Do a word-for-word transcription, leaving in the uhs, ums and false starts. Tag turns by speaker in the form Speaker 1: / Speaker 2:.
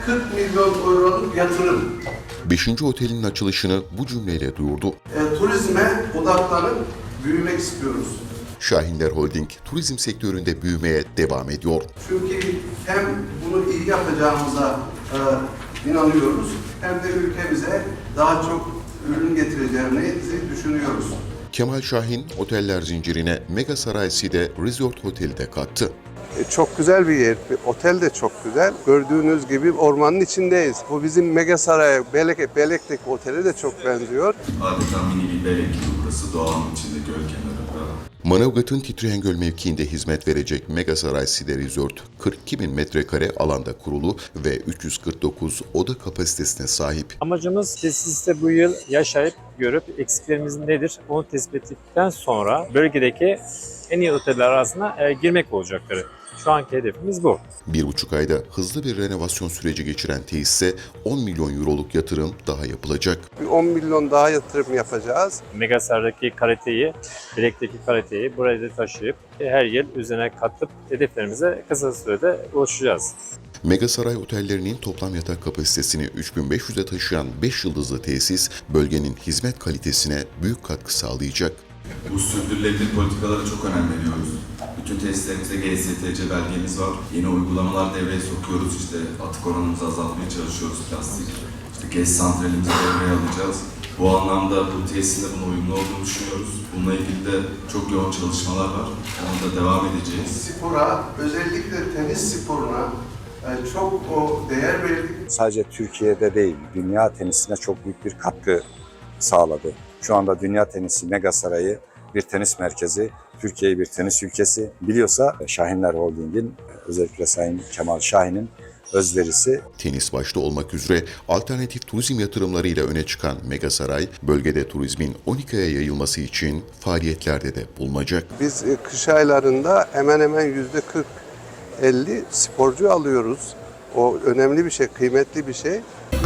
Speaker 1: kırk milyon euroluk yatırım.
Speaker 2: Beşinci otelin açılışını bu cümleyle duyurdu.
Speaker 1: E, turizme odaklanıp büyümek istiyoruz.
Speaker 2: Şahinler Holding, turizm sektöründe büyümeye devam ediyor.
Speaker 1: Çünkü hem bunu iyi yapacağımıza e, inanıyoruz, hem de ülkemize daha çok ürün getireceğimizi düşünüyoruz.
Speaker 2: Kemal Şahin, oteller zincirine Mega Saray Side Resort Hotel'i de kattı.
Speaker 1: E, Çok güzel bir yer. Otel de çok güzel. Gördüğünüz gibi ormanın içindeyiz. Bu bizim Mega Saray, Belek, Belek'teki otele de çok benziyor.
Speaker 3: Adeta mini bir Belek gibi burası, doğanın içinde, göl kenarında.
Speaker 2: Manavgat'ın Titriyengöl mevkiinde hizmet verecek Mega Saray Side Resort, kırk iki bin metrekare alanda kurulu ve üç yüz kırk dokuz oda kapasitesine sahip.
Speaker 4: Amacımız tesiste bu yıl yaşayıp görüp eksiklerimiz nedir onu tespit ettikten sonra bölgedeki en iyi oteller arasına e, girmek olacakları. Şu anki hedefimiz bu.
Speaker 2: Bir buçuk ayda hızlı bir renovasyon süreci geçiren tesise on milyon euroluk yatırım daha yapılacak.
Speaker 1: Bir on milyon daha yatırım yapacağız.
Speaker 4: Megasar'daki kaliteyi, Bilek'teki kaliteyi buraya da taşıyıp e, her yıl üzerine katıp hedeflerimize kısa sürede ulaşacağız.
Speaker 2: Mega Saray otellerinin toplam yatak kapasitesini üç bin beş yüze taşıyan beş yıldızlı tesis, bölgenin hizmet kalitesine büyük katkı sağlayacak.
Speaker 3: Bu sürdürülebilir politikalara çok önem veriyoruz. Bütün tesislerimizde G S T C belgemiz var. Yeni uygulamalar devreye sokuyoruz. İşte atık oranımızı azaltmaya çalışıyoruz, plastik. İşte gez santralimizi devreye alacağız. Bu anlamda bu tesisin de buna uyumlu olduğunu düşünüyoruz. Bununla ilgili de çok yoğun çalışmalar var. Ona da devam edeceğiz.
Speaker 1: Spora, özellikle tenis sporuna e, çok o değer verdik.
Speaker 5: Sadece Türkiye'de değil, dünya tenisine çok büyük bir katkı sağladı. Şu anda dünya tenisi Mega Sarayı bir tenis merkezi, Türkiye'yi bir tenis ülkesi biliyorsa Şahinler Holding'in, özellikle Sayın Kemal Şahin'in özverisi.
Speaker 2: Tenis başta olmak üzere alternatif turizm yatırımlarıyla öne çıkan Mega Saray, bölgede turizmin on iki aya yayılması için faaliyetlerde de bulunacak.
Speaker 1: Biz e, kış aylarında hemen hemen yüzde kırk elli sporcu alıyoruz. O önemli bir şey, kıymetli bir şey.